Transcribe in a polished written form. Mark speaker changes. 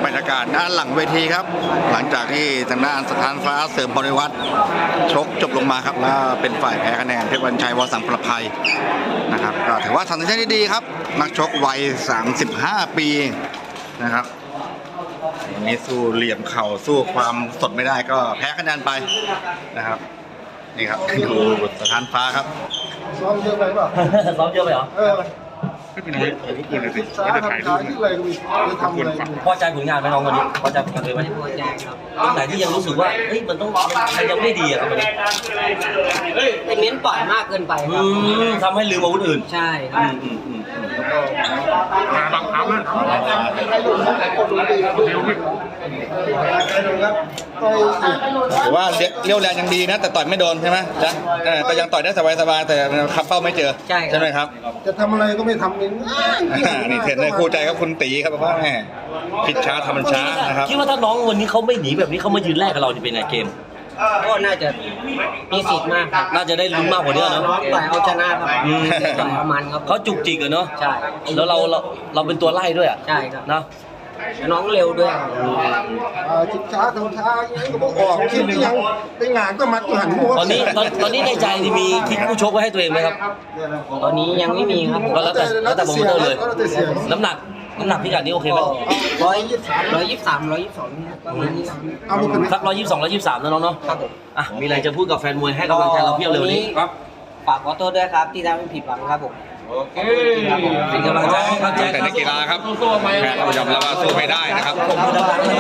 Speaker 1: รรยากาศด้านหลังเวทีครับหลังจากที่ทางด้านสถานฟ้าเสริมบริวัตรชกจบลงมาครับแล้วเป็นฝ่ายแพ้คะแนนเพชรวันชัยวสังประภัยนะครับก็ถือว่าทำได้ดีครับนักชกวัย35 ปีนะครับนี่สู้เหลี่ยมเข่าสู้ความสดไม่ได้ก็แพ้คะแนนไปนะครับนี่ครับดูสถานฟ้าครับ
Speaker 2: ซ้อมเยอะไปเปล่า
Speaker 3: ซ้อมเยอะไปเหรอ
Speaker 4: ไม่เป็นไรเอาลูกปืนเลยสิไม่ได้ถ่ายรูป
Speaker 2: ที่อะไรก็มีจะทำอะไร
Speaker 3: พอใจผลงานไหมน้องวันนี้พอใจผลงานเลยไหม
Speaker 5: พอใจครับ
Speaker 3: ตรงไหนที่ยังรู้สึกว่าเฮ้ยมันต้องมันยังไม่ดีอะครับวันนี้
Speaker 5: ไปเน้นต่อยมากเกินไปครับ
Speaker 3: ทำให้ลืมอาวุธอื่น
Speaker 5: ใช่ครับ
Speaker 4: มาบังคับนะ
Speaker 2: ให้ดูให้คนดูดีให้ดูครับต่อย
Speaker 1: ถือว่าเลี้ยวแรงยังดีนะ แต่ต่อยไม่โดนใช่ไหมจ๊ะก็ยังต่อยได้สบายๆแต่ขับเป้าไม่เจอใช่ไหมครับ
Speaker 2: จะทำอะไรก็ไม่ทำเอง
Speaker 1: นี่เทรนเนอร์คู่ใจครับคุณตีครับว่าแม่พิชช้าทำมันช้านะครับ
Speaker 3: คิดว่าถ้าน้องวันนี้เขาไม่หนีแบบนี้เขามายืนแรกกับเราจะเป็นไงเกม
Speaker 5: ก็น่าจะมีสิทธิ์มากครับ
Speaker 3: น่าจะได้ลุ้นมากกว่านี้เนอะ
Speaker 5: น้องต่อยเอาชนะครับต่อยเอามันครับ
Speaker 3: เขาจุกจิกอะเนาะ
Speaker 5: ใช่
Speaker 3: แล้วเราเป็นตัวไล่ด้วยอะ
Speaker 5: ใช่ครับ
Speaker 3: นะ
Speaker 5: น้องเร็วด้วยครับ
Speaker 2: ชิดช้าทำช้าอย่างนี้ก็บอกออกคิดยังไปงานก็มัดหันหัว
Speaker 3: ตอนนี้ในใจนี่มีทิ้งผู้ชกไว้ให้ตัวเองไหมครับ
Speaker 5: ตอนนี้ยังไม่มีครับ
Speaker 3: ก็แล้วแต่โปรโมเตอร์เลย น้ำหนักพิกัดนี้โอเคไหม
Speaker 5: 123 122ประมาณนี้ครับ
Speaker 2: เอาลูกขึ้น
Speaker 3: สัก122 123นะน้องเนาะ
Speaker 5: ครับผม
Speaker 3: อ่ะมีอะไรจะพูดกับแฟนมวยให้กำลังใจเราเพียบเลยวันนี้
Speaker 5: ฝากขอโทษด้วยครับที่ทำให้ผิดหวังครับผม
Speaker 3: เป็นกำลังใจให้ครับแจ็ค
Speaker 1: แต่นักกีฬาครับแพ้เรายอมรับว่าสู้ไม่ได้นะครับ
Speaker 3: ผมดังๆ